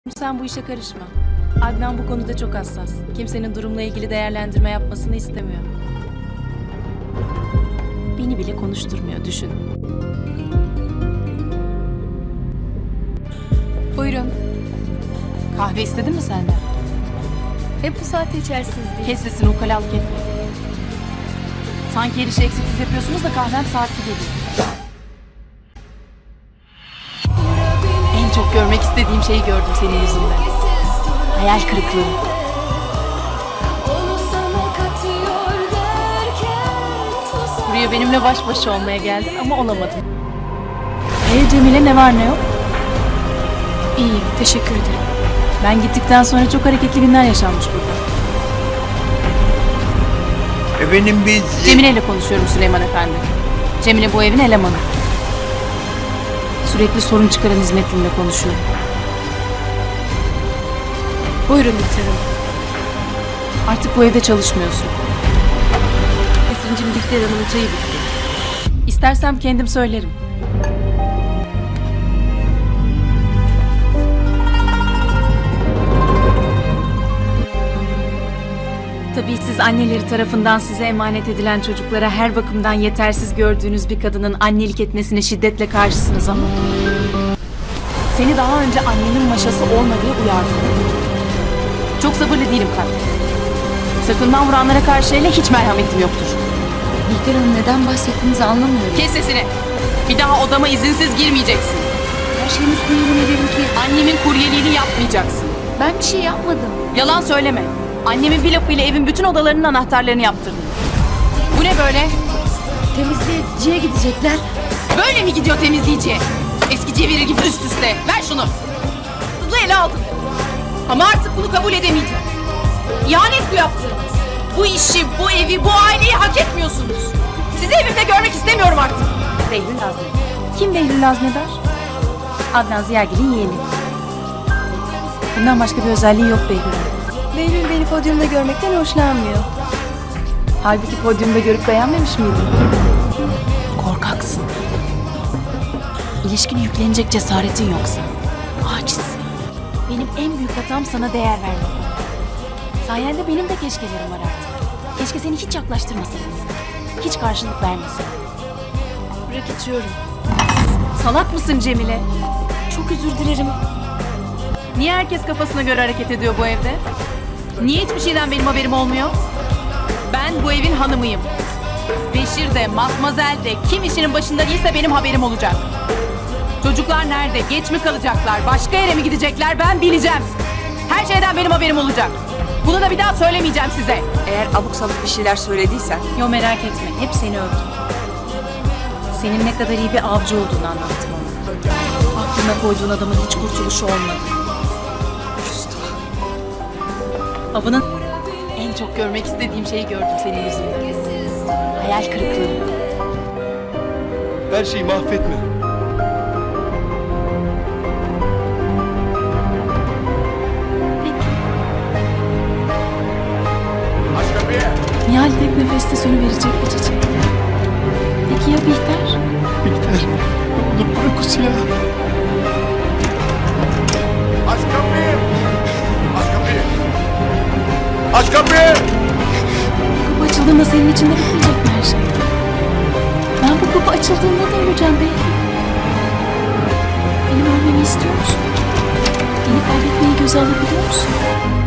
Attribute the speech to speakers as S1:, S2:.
S1: Sen bu işe karışma. Adnan bu konuda çok hassas. Kimsenin durumla ilgili değerlendirme yapmasını istemiyor. Beni bile konuşturmuyor, düşün.
S2: Buyurun.
S1: Kahve istedin mi senden?
S2: Hep bu saatte içersiniz diye.
S1: Kes sesini, ukalalık etme. Sanki her işi eksiksiz yapıyorsunuz da kahvem saatli geliyor. En çok görmek istediğim şeyi gördüm senin yüzünden. Hayal kırıklığı. Buraya benimle baş başa olmaya geldin ama olamadın. Cemile, ne var ne yok?
S2: İyiyim, teşekkür ederim.
S1: Ben gittikten sonra çok hareketli günler yaşanmış burada.
S3: Efendim biz...
S1: Cemile ile konuşuyorum Süleyman Efendi. Cemile bu evin elemanı. Sürekli sorun çıkaran hizmetlimle konuşuyorum.
S2: Buyurun Bihter Hanım.
S1: Artık bu evde çalışmıyorsun.
S2: Esin'cim, Bihter Hanım'ın çayı bitti.
S1: İstersem kendim söylerim. Tabii siz anneleri tarafından size emanet edilen çocuklara her bakımdan yetersiz gördüğünüz bir kadının annelik etmesine şiddetle karşısınız ama... Seni daha önce annenin maşası olma diye uyardım. Çok sabırlı değilim kalp. Sırtından vuranlara karşı hele hiç merhametim yoktur.
S2: Bihter Hanım, neden bahsettiğinizi anlamıyorum.
S1: Kes sesini. Bir daha odama izinsiz girmeyeceksin.
S2: Her şeyin üstüne yemin ederim ki
S1: Annemin kuryeliğini yapmayacaksın.
S2: ben bir şey yapmadım.
S1: Yalan söyleme. Annemin bir lafıyla evin bütün odalarının anahtarlarını yaptırdın. Bu ne böyle?
S2: Temizleyiciye gidecekler.
S1: Böyle mi gidiyor temizleyiciye? Eski ceviri gibi üst üste. Ver şunu. Hızlı ele aldın. Ama artık bunu kabul edemeyeceğim. İhanet bu yaptığınız. Bu işi, bu evi, bu aileyi hak etmiyorsunuz. Sizi evimde görmek istemiyorum artık. Behlül Azmi. Kim Behlül Aznedar? Adnan Ziyagil'in yeğeni. Bundan başka bir özelliği yok Behlül'ün.
S2: Behlül beni podyumda görmekten hoşlanmıyor.
S1: Halbuki podyumda görüp beğenmemiş miydin? Korkaksın. İlişkine yüklenecek cesaretin yoksa. Acizsin. Benim en büyük hatam sana değer vermek. Sayende benim de keşkelerim var artık. Keşke seni hiç yaklaştırmasaydım. Hiç karşılık vermesin.
S2: Bırak, içiyorum.
S1: Salak mısın Cemile?
S2: Çok özür dilerim.
S1: Niye herkes kafasına göre hareket ediyor bu evde? Niye hiçbir şeyden benim haberim olmuyor? Ben bu evin hanımıyım. Beşir de, Matmazel de, kim işinin başında değilse benim haberim olacak. Çocuklar nerede? Geç mi kalacaklar? Başka yere mi gidecekler? Ben bileceğim. Her şeyden benim haberim olacak. Bunu da bir daha söylemeyeceğim size.
S4: Eğer abuk sabuk bir şeyler söylediysen
S1: Yo, merak etme. Hep seni övdüm. Senin ne kadar iyi bir avcı olduğunu anlattım ona. Aklına koyduğun adamın hiç kurtuluşu olmadı. Avının en çok görmek istediğim şeyi gördüm senin yüzünden. Hayal kırıklığı.
S3: Her şeyi mahvetme. Aç kapıyı.
S1: Nihal tek nefeste sönüverecek bir çiçek. Peki ya Bihter?
S3: Bihter. Olur bırak o silahı. Aç kapıyı. Aç kapıyı. Aç kapıyı.
S1: Kapı açıldığında senin içinde bitmeyecek mi her şey? Ben bu kapı açıldığında da öleceğim belki. Benim ölmemi istiyor musun? Beni kaybetmeyi göze alabiliyor musun?